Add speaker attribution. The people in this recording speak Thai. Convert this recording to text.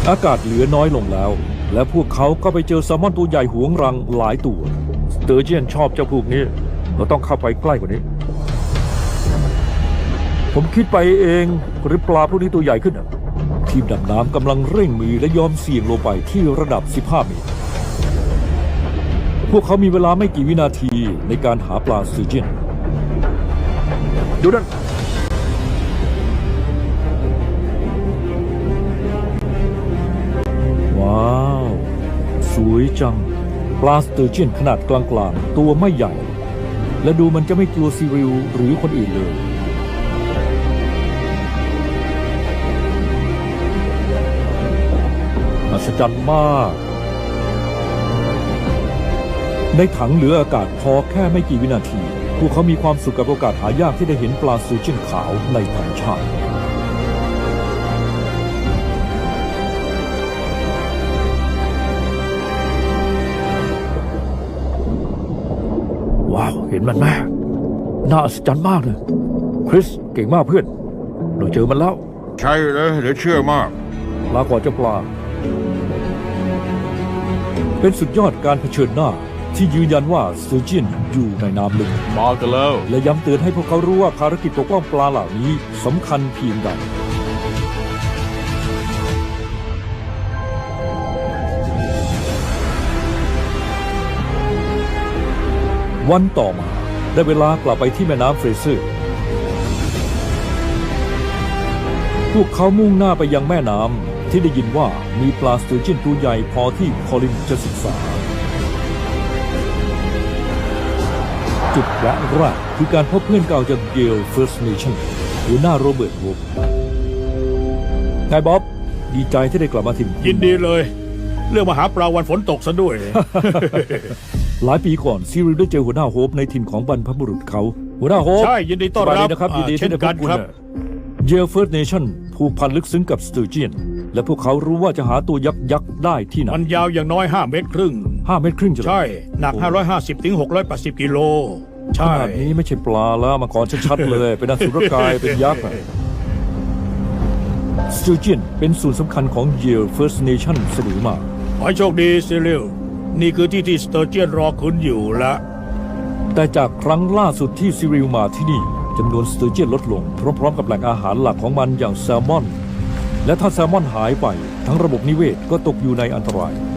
Speaker 1: อากาศเหลือน้อยลงแล้วและพวกเขาก็ไปเจอแซลมอนตัวใหญ่หวงรังหลายตัวสเตอร์เจียนชอบเจ้าพวกนี้เราต้องเข้าไปใกล้กว่านี้ผมคิดไปเองหรือปลาพวกนี้ตัวใหญ่ขึ้นทีมดำน้ำกำลังเร่งมือและยอมเสี่ยงลงไปที่ระดับ15 เมตรพวกเขามีเวลาไม่กี่วินาทีในการหาปลาสเตอร์เจียนดูนั่นว้าวสวยจังปลาสเตอร์เจียนขนาดกลางๆตัวไม่ใหญ่และดูมันจะไม่กลัวซีริลหรือคนอื่นเลยอัศจรรย์มากในถังเหลืออากาศพอแค่ไม่กี่วินาทีพวกเขามีความสุขกับโอกาสหายากที่ได้เห็นปลาสเตอร์เจียนขาวในธรรมชาติว้าวเห็นมันไหมน่าอัศจรรย์มากเลยคริสเก่งมากเพื่อนเราเจอมันแล้ว
Speaker 2: ใช่เลยเหลือเชื่อมาก
Speaker 1: ลาก่อนเจ้าปลาเป็นสุดยอดการเผชิญหน้าที่ยืนยันว่าสเตอร์เจียนอยู่ในน้ำลึก
Speaker 2: มากันแล้ว
Speaker 1: และย้ำเตือนให้พวกเขารู้ว่าภารกิจปกป้องปลาเหล่านี้สำคัญเพียงใดวันต่อมาได้เวลากลับไปที่แม่น้ำเฟรเซอร์พวกเขามุ่งหน้าไปยังแม่น้ำที่ได้ยินว่ามีปลาสเตอร์เจียนตัวใหญ่พอที่คอลินจะศึกษาจุดแรกคือการพบเพื่อนเก่าจากเยล First Nation หัวหน้าโรเบิร์ต วูฟไงบ๊อบดีใจที่ได้กลับมาถิ่น
Speaker 3: ยินดีเลยเรื่องมาหาปลาวันฝนตกซะด้วย
Speaker 1: หลายปีก่อนซีริลได้เจอหัวหน้าโฮปในถิ่นของบรรพบุรุษเขาหัวหน้าโฮป
Speaker 3: ใช่ยินดีต้อนรับ
Speaker 1: นะครับยินดีที่ได้พบคุณเยล First Nation ผูกพันลึกซึ้งกับสเตอร์เจียนและพวกเขารู้ว่าจะหาตัวยักษ์ได้ที่ไหน
Speaker 3: มันยาวอย่างน้อย5 เมตรครึ่ง
Speaker 1: 5 เมตรครึ่ง
Speaker 3: ใช่หนัก550 ถึง 680 กิโล
Speaker 1: ใช่ขนาดนี้ไม่ใช่ปลาแล้วมังกรชัดๆเลยเป็นอสุรกายเป็นยักษ์สเตอร์เจียนเป็นส่วนสำคัญของเยล First Nation เสมอมา
Speaker 3: ขอให้โชคดีซิริลนี่คือที่สเตอร์เจียนรอคุณอยู่ละ
Speaker 1: แต่จากครั้งล่าสุดที่ซิริลมาที่นี่จำนวนสเตอร์เจียนลดลงพร้อมๆกับแหล่งอาหารหลักของมันอย่างแซลมอนและถ้าแซลมอนหายไปทั้งระบบนิเวศก็ตกอยู่ในอันตราย